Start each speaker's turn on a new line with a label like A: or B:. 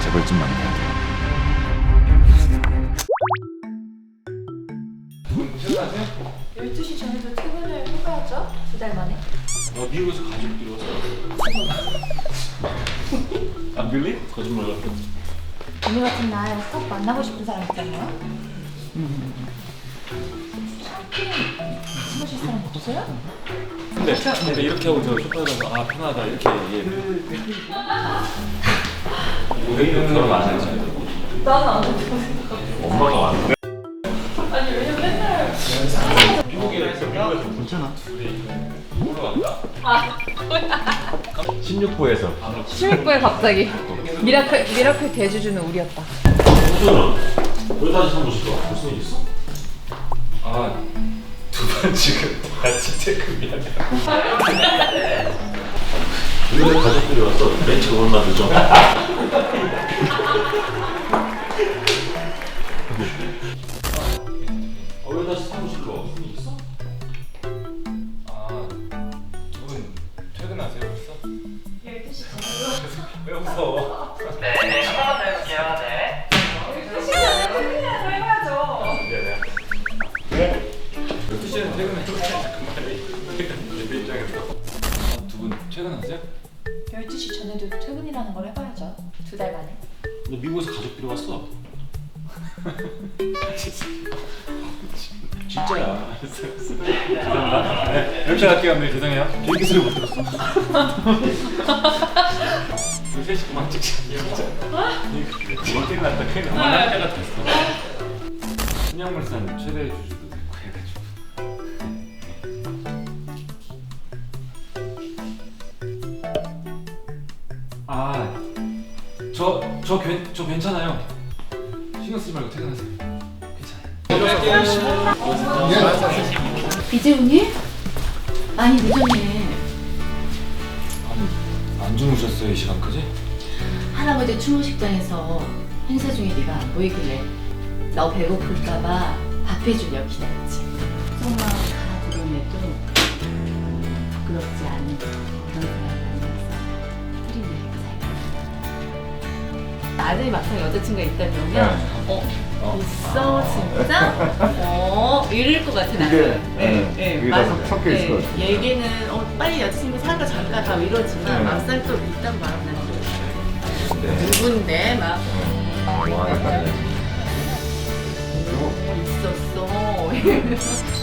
A: 재벌 좀 만나야 돼.
B: 퇴근하세요?
C: 12시 전에도 퇴근을 해봐야죠. 2달 만에.
B: 미국에서 가족들이 와서. 안 빌리? 거짓말 같아.
C: 오늘 같은 날 꼭 만나고 싶은 사람 있잖아요. 친구실 사람 없어요?
B: 근데 이렇게 하고 저 소파에 가서 아 편하다 이렇게 얘기해. 우리는 결혼 안 했지.
C: 나는 안 해도
B: 엄마가 왔는데.
C: 아니 왜냐면 맨날
B: 미국에서
A: 괜찮아.
B: 놀러 왔다.
C: 아
A: 16부에서
C: 16부에 갑자기 미라클 대주주는 우리였다.
B: 왜 다시 사무실로 와? 무슨 일 있어? 아, 두 번 지금 같이 퇴근이야. 왜 가족들이 왔어? 멘트가 얼마 늦어? 왜 다시 사무실로 와? 무슨 일 있어? 아, 두분 퇴근하세요 벌써?
C: 12시 전에.
B: 왜 웃어?
D: 네, 한번 더 해볼게요. 네.
C: 12시 전에 퇴근이라도 해봐야죠.
B: 미안해. 네? 12시에는 퇴근해. 내 입장에서. 두 분 퇴근하세요?
C: 12시 전에도 퇴근이라는 걸 해봐야죠. 2달 만에.
B: 너 미국에서 가족들이 왔어. 진짜야. 죄송합니다. 네, 이렇게 할게요. 네, 죄송해요. 비행기 소리 못 들었어. 우리 셋이 그만 찍자. 이거 큰일 났다. 큰일 났다. 할 때가 됐어. 신양물산 최대 주주도 됐고 해가지고. 아, 저 괜찮아요. 신경 쓰지 말고 퇴근하세요. 괜찮아요.
E: 이재훈이? 많이 늦었네.
B: 안 주무셨어요 이 시간까지?
E: 할아버지 추모식장에서 행사 중에 네가 안 보이길래 너 배고플까봐 밥 해주려고 기다렸지. 속마음 다 드러내도 부끄럽지 않은 그런 사람 만나서 흐린 얘기가 잘 아들이 막상 여자친구가 있다 그러면 있어 진짜? 이럴 것 같아 나는.
A: 그게 다 섞여 있을 것 같아.
E: 얘기는 빨리 여자친구 살까 잘까 다 이러지만 막상 또 있다고 말하면 난 또 누군데 막
A: 와, 약간
E: 있었어.